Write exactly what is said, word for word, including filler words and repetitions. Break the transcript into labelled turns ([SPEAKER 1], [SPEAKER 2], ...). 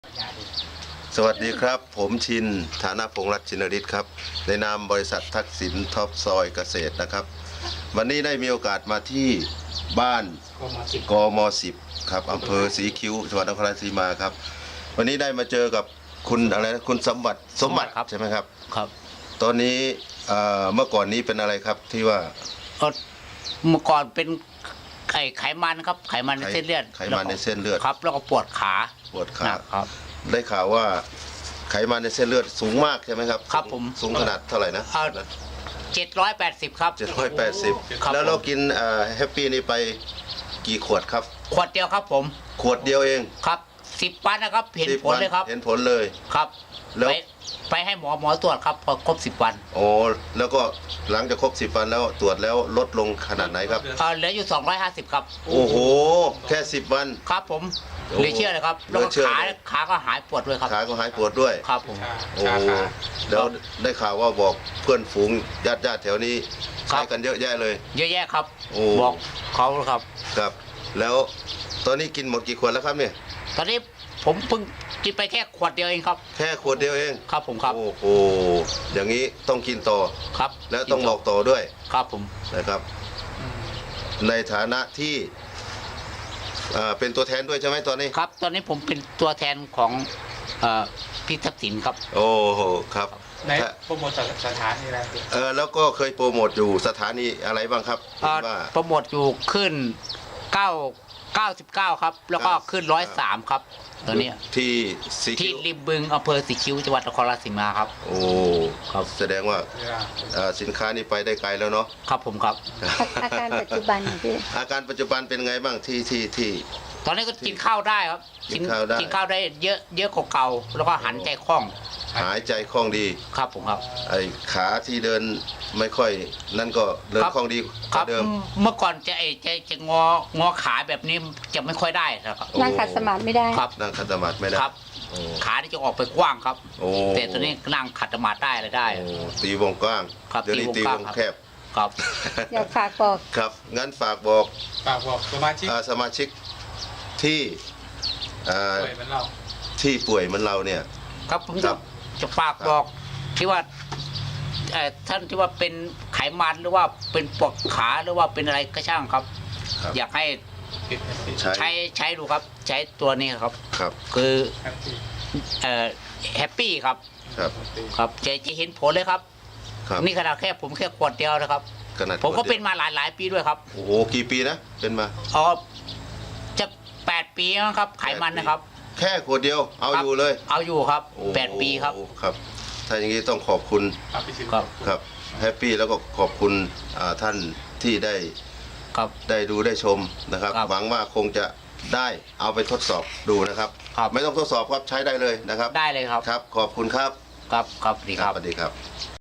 [SPEAKER 1] สวัสดีครับผมชินฐานะพงษ์รัตน์ชินฤทธิ์ครับในนามบริษัททักษิณท็อปซอยเกษตรนะครับวันนี้ได้มีโอกาสมาที่บ้านกมสิบครับอำเภอศรีคิ้วจังหวัดนครราชสีมาครับวันนี้ได้มาเจอกับคุณอะไรนะคุณสมบัติสมบัติใช่ไหมครับ
[SPEAKER 2] ครับ
[SPEAKER 1] ตอนนี้เมื่อก่อนนี้เป็นอะไรครับที่ว่า
[SPEAKER 2] เมื่อก่อนเป็นไขไขมันครับไขมันในเส้นเลือด
[SPEAKER 1] ไขมันในเส้นเลือด
[SPEAKER 2] ครับแล้วก็ปวดขา
[SPEAKER 1] ปวดขาครับได้ข่าวว่าไขมันในเส้นเลือดสูงมากใช่ไหมครับ
[SPEAKER 2] ครับผม
[SPEAKER 1] สูงขนาดเท่าไหร่นะ
[SPEAKER 2] เจ็ดร้อยแปดสิบครับ
[SPEAKER 1] เจ็ดร้อยแปดสิบแล้วเรากินแฮปปี้นี่ไปกี่ขวดครับ
[SPEAKER 2] ขวดเดียวครับผม
[SPEAKER 1] ขวดเดียวเอง
[SPEAKER 2] ครับสิบวันนะครับเห็นผลเลยครับ
[SPEAKER 1] เห็นผลเลย
[SPEAKER 2] ครับแล้วไปให้หมอหมอตรวจครับพอครบสิบวัน
[SPEAKER 1] โอ้แล้วก็หลังจากครบสิบวันแล้วตรวจแล้วลดลงขนาดไหนครับ
[SPEAKER 2] เหลืออยู่สองร้อยห้าสิบครับ
[SPEAKER 1] โอ้โหแค่สิบวัน
[SPEAKER 2] ครับผมเหลือเชื่อเลยครับแล้วก็ขาขาก็หายปวดด้วยครับ
[SPEAKER 1] ขาก็หายปวดด้วย
[SPEAKER 2] ครับผม
[SPEAKER 1] โอ้แล้วได้ข่าวว่าบอกเพื่อนฝูงญาติญาติแถวนี้ใช้กันเยอะแยะเลย
[SPEAKER 2] เยอะแยะครับบอกเขาครับ
[SPEAKER 1] ครับแล้วตอนนี้กินหมดกี่ขวดแล้วครับเนี่ย
[SPEAKER 2] ตอนนี้ผมเพิ่งกินไปแค่ขวดเดียวเองครับ
[SPEAKER 1] แค่ขวดเดียวเอง
[SPEAKER 2] ครับผมครับ
[SPEAKER 1] โอ้โหอย่างนี้ต้องกินต่อ
[SPEAKER 2] ครับ
[SPEAKER 1] แล้วต้องบอกต่อด้วย
[SPEAKER 2] ครับผม
[SPEAKER 1] นะครับในฐานะที่เป็นตัวแทนด้วยใช่ไหมตอนนี้
[SPEAKER 2] ครับตอนนี้ผมเป็นตัวแทนของพี่ทักษิณครับ
[SPEAKER 1] โอ้โหครับ
[SPEAKER 3] ในโปรโมทสถานีอะไร
[SPEAKER 1] เออแล้วก็เคยโปรโมทอยู่สถานีอะไรบ้างครับ
[SPEAKER 2] ว่าโปรโมทอยู่ขึ้นเก้าเก้าสิบเก้าครับแล้วก็ขึ้นร้อยสามครับตอนนี้
[SPEAKER 1] ที่
[SPEAKER 2] ที่ริมบึงอำเภอศรีคิ้วจังหวัดนครราชสีมาครับ
[SPEAKER 1] โอ้ครับแสดงว่าสินค้านี้ไปได้ไกลแล้วเนาะ
[SPEAKER 2] ครับผมครับ
[SPEAKER 4] อาการปัจจุบันพี่
[SPEAKER 1] อาการปัจจุบันเป็นไงบ้างที่ที่ที่
[SPEAKER 2] ตอนนี้ก็กินข้าวได้ครับ
[SPEAKER 1] กินข้าวได้
[SPEAKER 2] กินข้าวได้เยอะเยอะกว่าเก่าแล้วก็หันใจคล่อง
[SPEAKER 1] หายใจคล่องดี
[SPEAKER 2] ครับผมครับ
[SPEAKER 1] ไอ้ขาที่เดินไม่ค่อยนั่นก็เดินคล่องดี
[SPEAKER 2] ครับเดิมเมื่อก่อนจะไอ้จะจะงองอขาแบบนี้จะไม่ค่อยได้ครับ
[SPEAKER 4] นั่งขัดสมาธิไม่ได้
[SPEAKER 2] ครับ
[SPEAKER 1] นั่งขัดสมาธิไม่ได้
[SPEAKER 2] ครับขาที่จะออกไปกว้างครับแต่ตัวนี้นั่งขัดสมาธิได้เลยได้
[SPEAKER 1] ตีวงกว้าง
[SPEAKER 2] เดี๋ยวนี้
[SPEAKER 1] ตีวงแคบ
[SPEAKER 2] ครับ
[SPEAKER 4] อยากฝากบอก
[SPEAKER 1] ครับงั้นฝากบอก
[SPEAKER 3] ฝากบอกสมาชิก
[SPEAKER 1] สมาชิกที่
[SPEAKER 3] ป่วยเหมือนเรา
[SPEAKER 1] ที่ป่วยเหมือนเราเนี่ย
[SPEAKER 2] ครับผมจะจะฝากบอกที่ว่าท่านที่ว่าเป็นไขมันหรือว่าเป็นปวดขาหรือว่าเป็นอะไรก็ช่างครับอยากให้ใช้ใช้ดูครับใช้ตัวนี้ครับ
[SPEAKER 1] ครับ
[SPEAKER 2] คือแฮปปี้ครับ
[SPEAKER 1] ครับ
[SPEAKER 2] ครับจะจะเห็นผลเลยครับนี่ขนาดแค่ผมแค่ขวดเดียวนะครับผมก็เป็นมาหลายหลายปีด้วยครับ
[SPEAKER 1] โอ้โหกี่ปีนะเป็นมา
[SPEAKER 2] อ๋อจะแปดปีนะครับไขมันนะครับ
[SPEAKER 1] แค่ขวดเดียวเอาอยู่เลย
[SPEAKER 2] เอาอยู่ครับแปดปีครับ
[SPEAKER 1] ครับถ้าอย่างนี้ต้องขอบคุณ
[SPEAKER 2] ครับ
[SPEAKER 1] ครับแฮปปี้แล้วก็ขอบคุณท่านที่ได้
[SPEAKER 2] ครับ
[SPEAKER 1] ได้ดูได้ชมนะครับหวังว่าคงจะได้เอาไปทดสอบดูนะครับไม่ต้องทดสอบครับใช้ได้เลยนะครับ
[SPEAKER 2] ได้เลยครับ
[SPEAKER 1] ครับขอบคุณครับ
[SPEAKER 2] ครับครับสวัสดีครับ
[SPEAKER 1] สวัสดีครับ